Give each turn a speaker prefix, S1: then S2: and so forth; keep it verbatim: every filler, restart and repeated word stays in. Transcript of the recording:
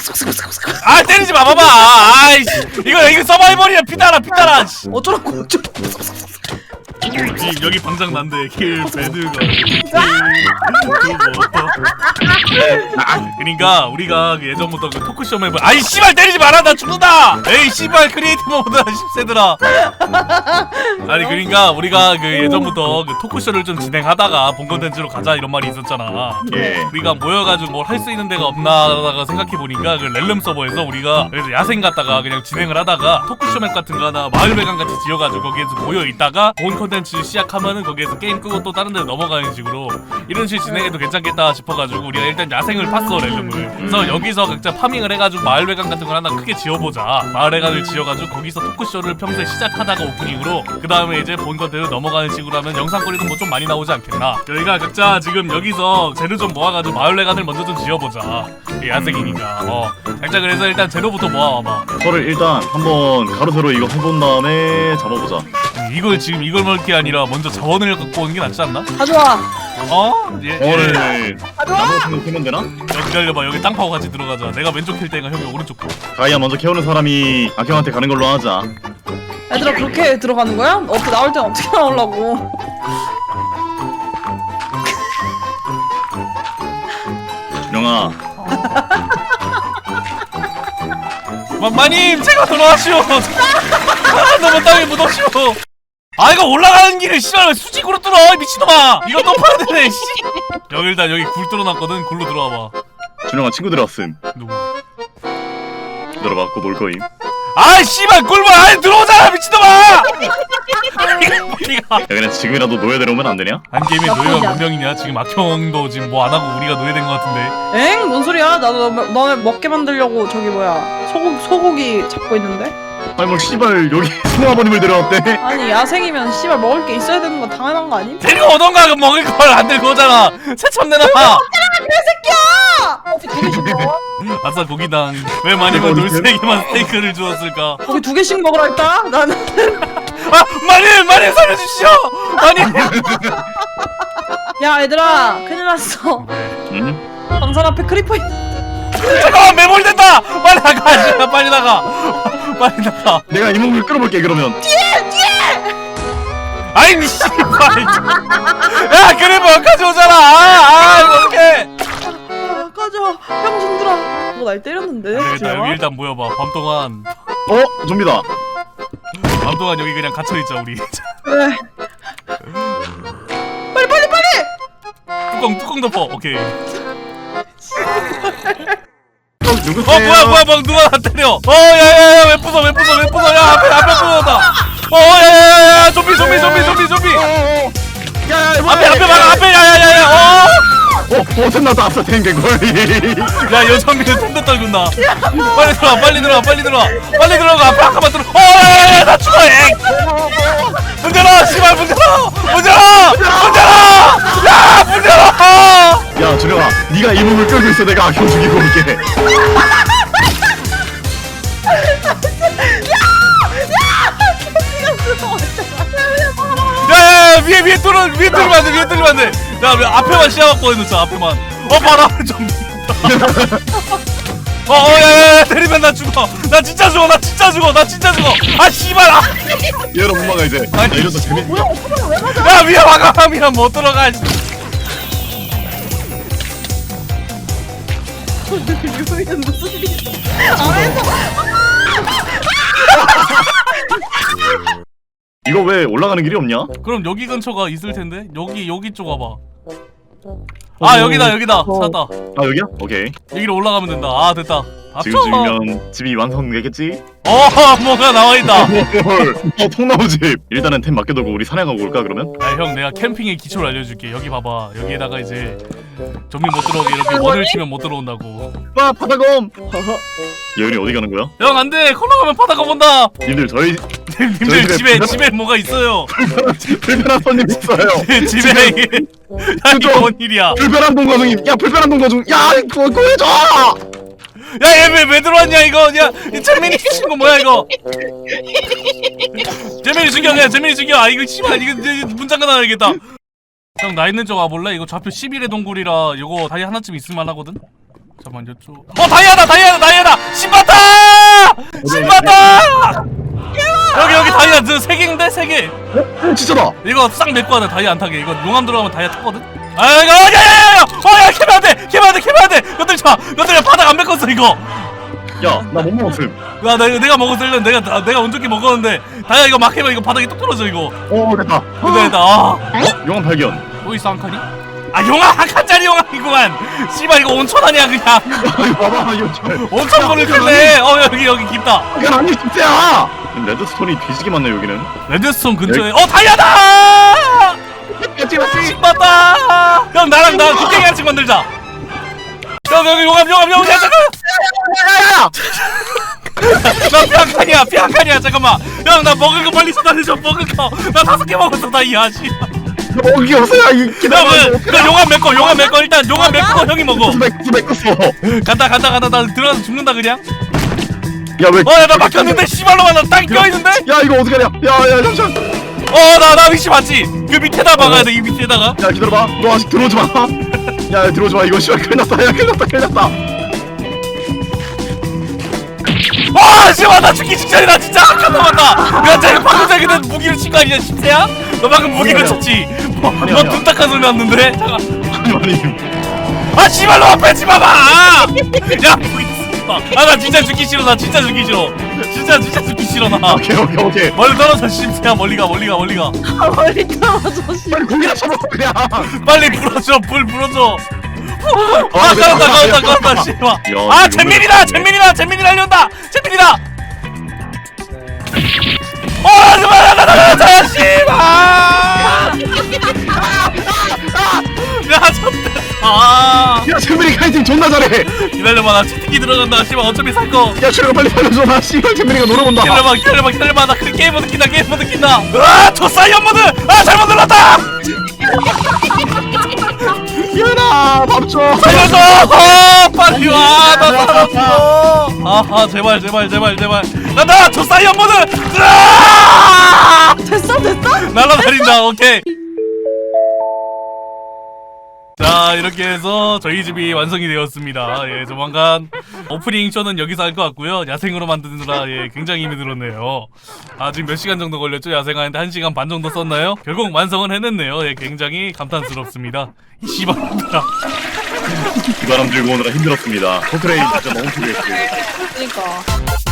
S1: 아 때리지 마 봐봐. 아이씨 이거 이거 서바이벌이야. 피따라 피따라.
S2: 어쩌라고 어쩌라고.
S1: 여기, 여기 방장 난데 킬 배드가 그니까 우리가 그 예전부터 그 토크쇼 맵을 아이 씨발 때리지 마라 나 죽는다. 에이 씨발 크리에이티브 모드다 십세들아. 아니 그니까 우리가 그 예전부터 그 토크쇼를 좀 진행하다가 본 컨텐츠로 가자 이런 말이 있었잖아.
S3: 예.
S1: 우리가 모여가지고 뭘 할 수 있는 데가 없나 하다가 생각해보니까 그 렐름 서버에서 우리가 그래서 야생 갔다가 그냥 진행을 하다가 토크쇼 맵 같은 거 하나 마을 배관 같이 지어가지고 거기에서 모여있다가 본 컨텐츠 시작하면은 거기에서 게임 끄고 또 다른 데 넘어가는 식으로 이런 식으로 진행해도 괜찮겠다 싶어가지고 우리가 일단 야생을 팠어 렐름을. 그래서 여기서 각자 파밍을 해가지고 마을 배관 같은 걸 하나 크게 지어보자. 마을 배관을 지어가지고 거기서 토크쇼를 평소에 시작하다가 오프닝으로 그 다음에 이제 본 컨텐츠 넘어가는 식으로 하면 영상거리도 뭐 좀 많이 나오지 않겠나. 저희가 각자 지금 여기서 재료 좀 모아가지고 마을 배관을 먼저 좀 지어보자. 야생이니까. 어 각자 그래서 일단 재료부터 모아와봐.
S3: 저를 일단 한번 가로세로 이거 해본 다음에 잡아보자.
S1: 이걸 지금 이걸 먹을 게 아니라 먼저 자원을 갖고 오는 게 낫지 않나?
S2: 가져와.
S1: 어? 예,
S3: 저를
S1: 예.
S3: 나무 같은 거 캐면 되나?
S1: 야, 기다려봐. 여기 땅 파고 같이 들어가자. 내가 왼쪽 캘 때가 형이 오른쪽 캘.
S3: 가이아 먼저 캐오는 사람이 악형한테 가는 걸로 하자.
S2: 얘들아 그렇게 들어가는 거야? 어떻게 나올 땐 어떻게 나오려고?
S3: 영아.
S1: 마, 마님 제가 돌아가시오. 아, 너무 땅에 묻어시오. 아 이거 올라가는 길을 씨발 왜 수직으로 뚫어 미친놈아. 이거 또 파야 되네 씨. 여기 일단 여기 굴 뚫어놨거든. 굴로 들어와봐.
S3: 준영아 친구들 왔음.
S1: 누구?
S3: 기다려봐 곧 올 거임.
S1: 아 씨발 굴물 안에 들어오잖아 미친놈아. 이거
S3: 야 그냥 지금이라도 노예대로 오면 안 되냐?
S1: 한 게임에 노예가 몇 명이냐? 지금 악형도 지금 뭐 안 하고 우리가 노예된 것 같은데.
S2: 엥? 뭔 소리야? 나도 너, 너네 먹게 만들려고 저기 뭐야 소고, 소고기 잡고 있는데?
S3: 아니 뭐 씨발 여기 송아버님을 데려왔대.
S2: 아니 야생이면 씨발 먹을 게 있어야 되는 건 당연한 거 아님?
S1: 데리고 오던가 그 먹을 걸 안 들고 오잖아. 새참 내놔.
S2: 거기 두 개씩 먹어?
S1: 아싸 고기당. 왜 마님은 돌쇠에게만 스테이크를 주었을까?
S2: 거기 두 개씩 먹으라 했다? 나는
S1: 아 마님 마님 살려주시오. 마님.
S2: 야 얘들아 큰일 났어.
S3: 응?
S2: 방산 앞에 크리퍼 있...
S1: 잠깐만 매몰된다. 빨리 나가. 씨발, 빨리 나가. 빨리 나가.
S3: 내가 이 몸을 끌어볼게 그러면.
S1: 아이 니 씨발. 야 그래 뭐 가져오잖아. 아, 아 이거 어떡해.
S2: 아 꺼져 병신들아. 뭐 날 때렸는데?
S1: 일단 여기 일단 모여봐. 밤 동안
S3: 어? 좀비다.
S1: 밤 동안 여기 그냥 갇혀 있자 우리.
S2: 왜? 빨리 빨리 빨리!
S1: 뚜껑 뚜껑 덮어. 오케이.
S3: 누구세요?
S1: 어 뭐야 뭐야 뭐 누가 나 때려. 어 야야야 왜 부숴 왜 부숴 왜 부숴. 야 앞에 앞에 부숴다. 어 야야야야 좀비 좀비 좀비 좀비 좀비.
S3: 야야
S1: 앞에 앞에 막아 앞에 야야야야. 어.
S3: 어? 어 템나다 아싸 탱탱거리.
S1: 야 여전비는 통도 떨군다. 빨리 들어와 빨리 들어와 빨리 들어와 빨리 들어가. 앞에 아까만 들어. 어 야야야 나 죽어. 엥. 문 열어 씨발 문 열어 문 열어 문 열어. 야문 열어.
S3: 야 준영아 네가 이 몸을 끌고 있어. 내가 악형 죽이고 올게.
S1: 야야야 위에 위에 뚫어 위에 뚫리면 안돼 위에 뚫리면 안돼. 야 앞에만 시야갖고 해놓자 앞에만. 어 바로 앞에 좀. 어어 야야야 때리면 나 죽어. 나 진짜 죽어 나 진짜 죽어 나 진짜 죽어. 아 씨발. 아.
S3: 얘로 못 막아 이제.
S1: 아니,
S3: 야, 이러다 재밌.
S2: 뭐야 어떡하면 왜 맞아?
S1: 야 위에 와가면 못 들어가.
S2: 유미는 무슨 일이야? 안에서
S3: 이거 왜 올라가는 길이 없냐?
S1: 그럼 여기 근처가 있을 텐데 여기 여기 쪽 와봐. 아 여기다 여기다 찾았다.
S3: 아 여기야? 오케이.
S1: 여기로 올라가면 된다. 아 됐다.
S3: 지금 지으면 집이 완성되겠지?
S1: 어 뭐가 나와 있다.
S3: 어 통나무집. 일단은 템 맡겨두고 우리 사냥하고 올까 그러면?
S1: 아 형 내가 캠핑의 기초를 알려줄게. 여기 봐봐. 여기에다가 이제 좀비 못 들어오게 이렇게 원을 치면 못 들어온다고.
S3: 와 바다검. 여기 어디 가는 거야?
S1: 형 안돼. 콜라 가면 바다가 본다.
S3: 님들 저희
S1: 님들
S3: 저희 집에
S1: 집에
S3: 불편-
S1: 집에 뭐가 있어요.
S3: 불편한 손님 있어요.
S1: 집에 이게 야 이게 뭔 일이야.
S3: 불편한 동거 중임. 야 불편한 동거 중. 야 그거 구해줘.
S1: 야 얘 왜 왜 들어왔냐 이거. 야 재민이 친구 뭐야 이거. 재민이 죽여 그냥 재민이 죽여. 아 이거 씨발 이거 이거 문 잠가 놔야겠다. 형 나 있는 쪽 와볼래? 이거 좌표 십일의 동굴이라 이거 다이 하나쯤 있을만 하거든? 잠깐만 이쪽. 어 다이아다 다이아다 다이아다 신받아! 여기 여기 다이아 세 개인데 세 개.
S3: 어, 진짜다.
S1: 이거 싹 메꿔야 돼. 다이아 안 타게. 이거 용암 들어가면 다이아 탔거든. 아 이거 야야야야! 어야 캐면 안 돼. 캐면 안 돼. 캐면 안 돼. 건들지 마. 건들지 마. 바닥 안 메꿨어 이거.
S3: 야, 나 못 먹었음.
S1: 야 내가 내가 먹었을래. 내가 나, 내가 온전히 먹었는데 다이아 이거 막 캐면 이거 바닥이 뚝 떨어져 이거.
S3: 오, 됐다.
S1: 근데 나 아.
S3: 어? 용암 발견.
S1: 또 있어 한 칸이? 아 용암 한 칸짜리 용암이구만. 씨발 이거 온천 아니야 그냥.
S3: 아, 이거 봐봐, 이거 잘.
S1: 온천 거를 텐데. 어 여기 여기 깊다.
S3: 이건 아니 진짜야. 레드스톤이 뒤지게 많네 여기는.
S1: 레드스톤 근처에 어 다이아다!
S3: 맞지 맞지.
S1: 신봤다! 형 나랑 나 국경이 한씩 만들자. 형 여기 용암 용암 용암 야 잠깐.
S3: 야야야.
S1: 나 피 한 칸이야 피 한 칸이야 잠깐만. 형 나 먹을 거 빨리 쏟아내줘 먹을 거. 나 다섯 개 먹었어 다이아 씨.
S3: 먹은 게 없어요 이 기다려.
S1: 그, 그 용암 메꿔 용암 메꿔 일단 용암 메꿔 형이 먹어.
S3: 맥스 맥스.
S1: 간다 간다 간다 나 들어가서 죽는다 그냥.
S3: 야 왜?
S1: 어야 나 막혔는데 씨발로만 나 땅 껴있는데?
S3: 야 이거 어떡하냐? 야야 잠시만.
S1: 어나 나 위치 맞지? 그 밑에다 박아야 돼 이 밑에다가.
S3: 야 기다려봐. 너 아직 들어오지 마. 야 들어오지 마. 이거 씨발 큰일 났다. 야 큰일 났다. 큰일 났다.
S1: 와 씨발 나 죽기 직전이다 진짜 한칸 남았다. 야 쟤 방금 전에 근데 무기를 친 거 아니야 십세야? 너 방금 무기를
S3: 아니야.
S1: 쳤지?
S3: 아니야,
S1: 너
S3: 아니야.
S1: 둔탁한 소리 났는데? 잠깐.
S3: 아니 아니.
S1: 아 씨발 너 빼지 마봐. 야 무기 아나 진짜 죽기 싫어 나 진짜 죽기 싫어. 진짜 진짜 죽기 싫어 나.
S3: 오케이 오케이 오케이.
S1: 멀리 떨어져 십세야 멀리 가 멀리 가 멀리 가.
S2: 아 머리 떨어져 씨.
S3: 빨리 고기나 쳐먹어 그냥.
S1: 빨리 불어줘 불 불어줘. 아
S3: 아,
S1: 깔았다
S3: 야,
S1: 깔았다 깔았다
S3: 야,
S1: 씨발.
S3: 야,
S1: 아
S3: 이거
S1: 잼민이다 잼민이다 잼민이 날려온다 잼민이다. 어 그만 나나나 씨발. 야 좋댔다. 아
S3: 야 재민이 카이팅 존나 잘해.
S1: 기다려봐 나 치트키 들어간다 씨발 어차피 살거.
S3: 야 출혈 빨리 살려줘. 나 씨발 재민이가 노래 본다.
S1: 기다려봐 기다려봐 기다려봐 나 그 게임 모드 킨다 게임 모드 킨다. 아저 사이언 모드 아 잘못 눌렀다.
S3: 기현아 밥 줘.
S1: 살려줘 어, 빨리 와나 살았어. 아아 제발 제발 제발 제발 나나 저 사이언 모드. 으아!
S2: 됐어 됐어?
S1: 날라다닌다 오케이. 자 이렇게 해서 저희 집이 완성이 되었습니다. 예 조만간 오프닝 쇼는 여기서 할 것 같고요. 야생으로 만드느라 예 굉장히 힘이 들었네요. 아 지금 몇 시간 정도 걸렸죠? 야생하는데 한 시간 반 정도 썼나요? 결국 완성은 해냈네요. 예 굉장히 감탄스럽습니다. 이 씨발놈들아.
S3: 이 바람 들고 오느라 힘들었습니다. 포트레인 진짜 너무 필요했고.
S2: 그러니까.